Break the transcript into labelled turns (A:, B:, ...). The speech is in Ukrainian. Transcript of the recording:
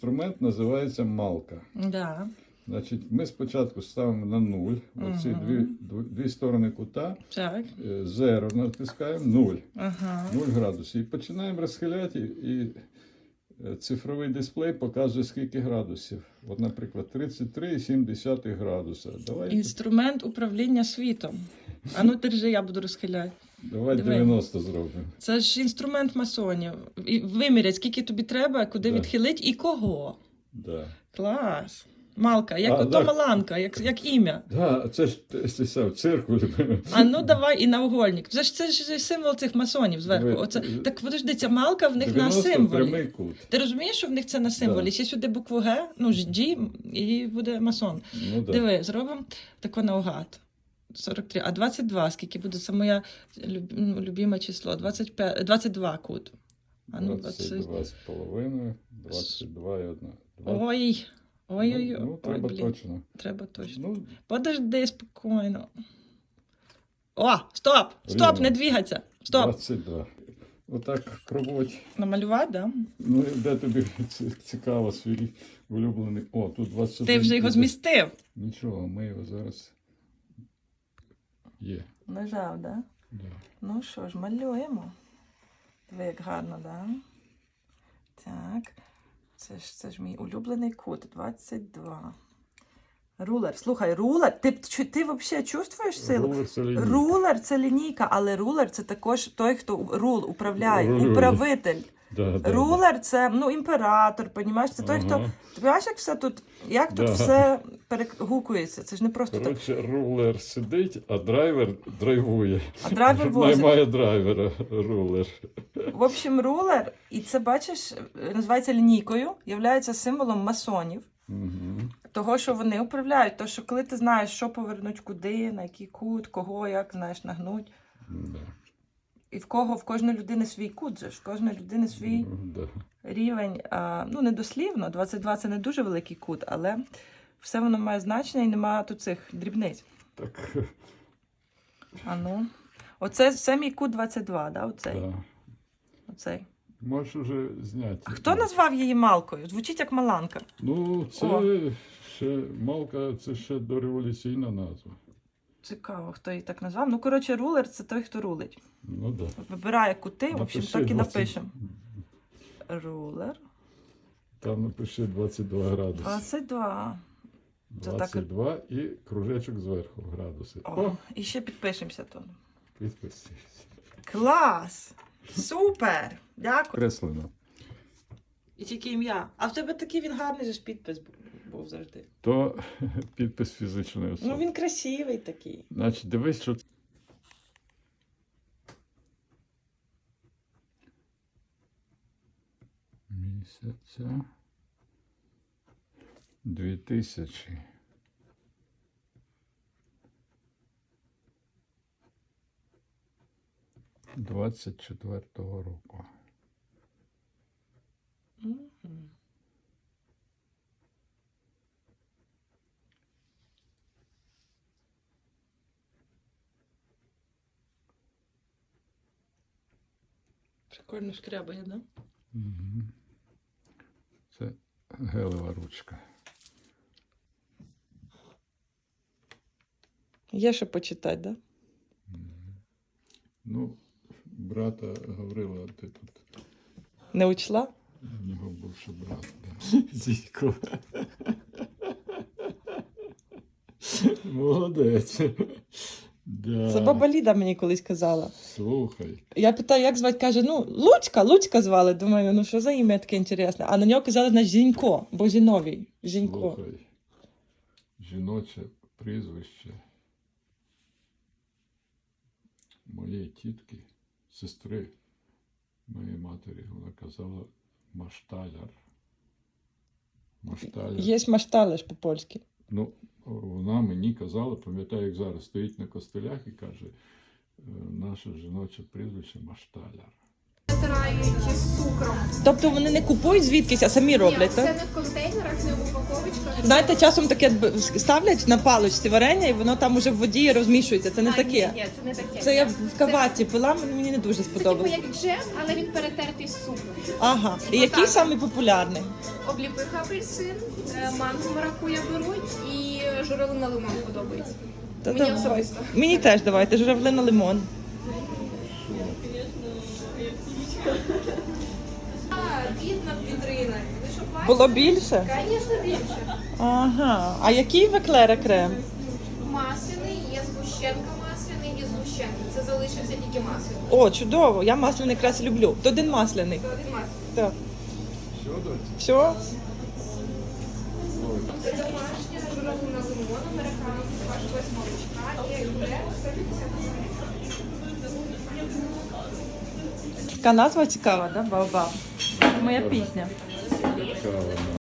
A: Інструмент називається малка.
B: Да.
A: Значить, ми спочатку ставимо на 0, оці дві сторони кута,
B: Так.
A: 0 натискаємо, 0,
B: Ага.
A: 0 градусів. І починаємо розхиляти, і цифровий дисплей показує, скільки градусів. От, наприклад, 33,7 градуса.
B: Інструмент управління світом. А ну держи, я буду розхиляти.
A: Давай
B: Диви.
A: 90 зробимо.
B: Це ж інструмент масонів. І вимірять, скільки тобі треба, куди
A: Да.
B: відхилити і кого.
A: Да.
B: Клас. Малка, як ото
A: так.
B: Маланка, як ім'я.
A: Да, це ж циркуль.
B: А ну давай і наугольник. Це ж символ цих масонів зверху.
A: Диви.
B: Оце. Так подожди, ця малка в них на
A: 90
B: символі.
A: прямий кут.
B: Ти розумієш, що в них це на символі?
A: Да.
B: Ще сюди букву Г, ну G, і буде масон.
A: Ну, да.
B: Диви, зробимо тако наугад. 43. А 22, скільки буде? Це моє любиме число. 22 кут. А ну,
A: 22 з половиною, 22 і 1.
B: Ой. Ой-ой-ой.
A: Ну, треба
B: блін.
A: точно.
B: Треба точно.
A: Ну,
B: Подожди спокійно. О, стоп! Стоп,
A: Рівно.
B: не двигаться. Стоп.
A: 22. Отак круть.
B: Намалювати, да?
A: Ну, де тобі цікаво свій улюблений. О, тут 21.
B: Ти вже його змістив.
A: Нічого, ми його зараз є.
B: Нажав, да?
A: Да.
B: Ну що ж, малюємо. Диви, як гарно, да? Так. Це ж мій улюблений кут. 22. Рулер. Слухай, рулер. Ти взагалі чувствуєш силу?
A: Рулер це лінійка.
B: Рулер це лінійка, але рулер це також той, хто управляє,
A: Рулює.
B: управитель.
A: Да, да,
B: Рулер це імператор, понімаєш? Це той, хто.
A: Ага.
B: Ти бачиш, як все тут, як тут
A: Да.
B: все перегукується? Це ж не просто так.
A: Коротше, рулер сидить, а драйвер драйвує.
B: А драйвер возить.
A: Наймає драйвера, рулер.
B: В общем, рулер, і це, бачиш, називається лінійкою, являється символом масонів.
A: Угу.
B: Того, що вони управляють. То, що коли ти знаєш, що повернуть куди, на який кут, кого, як, знаєш, нагнуть.
A: Да.
B: І в кожної людини свій кут же ж, в кожної людини свій
A: Да.
B: рівень. Ну, не дослівно, 22 це не дуже великий кут, але все воно має значення і немає тут цих дрібниць.
A: Так,
B: А ну. Це мій кут 22, да? Оцей.
A: да.
B: Оцей.
A: Можеш уже зняти.
B: А хто назвав її Малкою? Звучить як Маланка.
A: Ну, це
B: О.
A: ще Малка, це ще дореволюційна назва.
B: Цікаво, хто її так назвав. Ну, коротше, рулер це той, хто рулить.
A: Ну да.
B: Вибирає кути, в общем,
A: Напиши
B: так і
A: 20.
B: напишемо. Рулер.
A: Там напиши 22 градуси.
B: 22. Це так.
A: 22 і кружечок зверху градуси.
B: О, і ще підпишемося тут.
A: Підписуйся.
B: Клас! Супер! Дякую.
A: Креслено.
B: І тільки ім'я. А в тебе такий він гарний же ж підпис був завжди.
A: То підпис фізичної особи.
B: Ну він красивий такий.
A: Значить, дивись, що місяця 2000. «24-го року.
B: Мгм. Прикольно шкрябає, да?
A: Угу. Це гелева ручка.
B: Є що почитати, да?
A: Ну, брата Гаврила, ти тут.
B: Не учла?
A: У нього був ще брат. Да. Зійко. Молодець. Да.
B: Це баба Ліда мені колись казала.
A: Слухай.
B: Я питаю, як звати, каже, ну, Луцька звали. Думаю, ну що за ім'я таке інтересне. А на нього казали, значить, Зінько, бо Зіновій. Зінько.
A: Слухай. Жіноче прізвище моєї тітки, сестри моєї матері, вона казала Машталяр. Машталяр.
B: Є машталеш по-польськи.
A: Ну, вона мені казала, пам'ятаю, як зараз стоїть на костелях і каже, наше жіноче прізвище Машталяр.
C: розтирають з цукром.
B: Тобто вони не купують звідкись, а самі
C: Ні,
B: роблять,
C: це
B: так?
C: не в контейнерах, не в упаковочках.
B: Знаєте, часом таке ставлять на паличці варення, і воно там уже в воді розмішується. Це не таке.
C: Ні, це не таке.
B: Це я в каваті пила, мені не дуже
C: Це типу
B: сподобалось.
C: як джем, але він перетертий з цукром.
B: Ага. І який
C: Отак.
B: самий популярний?
C: Обліпиха апельсин, манго маракуя беруть і журавлина лимон подобається.
B: Та
C: Мені
B: давай.
C: особисто.
B: Мені теж давайте, журавлина лимон.
C: Від над вітриною. Ви що, бачите?
B: Було більше?
C: Звісно, більше.
B: Ага. А який в еклера крем?
C: Масляний, є згущенка масляний і згущенка. Це залишився тільки масляний.
B: О, чудово! Я масляний якраз люблю. То один масляний.
C: Це один масляний.
B: Так.
A: Що, доці?
B: Все?
C: Це домашня журавлина лимон, американо, ваш без молочка і екстрем 150
B: Така назва цікава, да? Баобаб. Моя пісня.
A: Цікаво, да.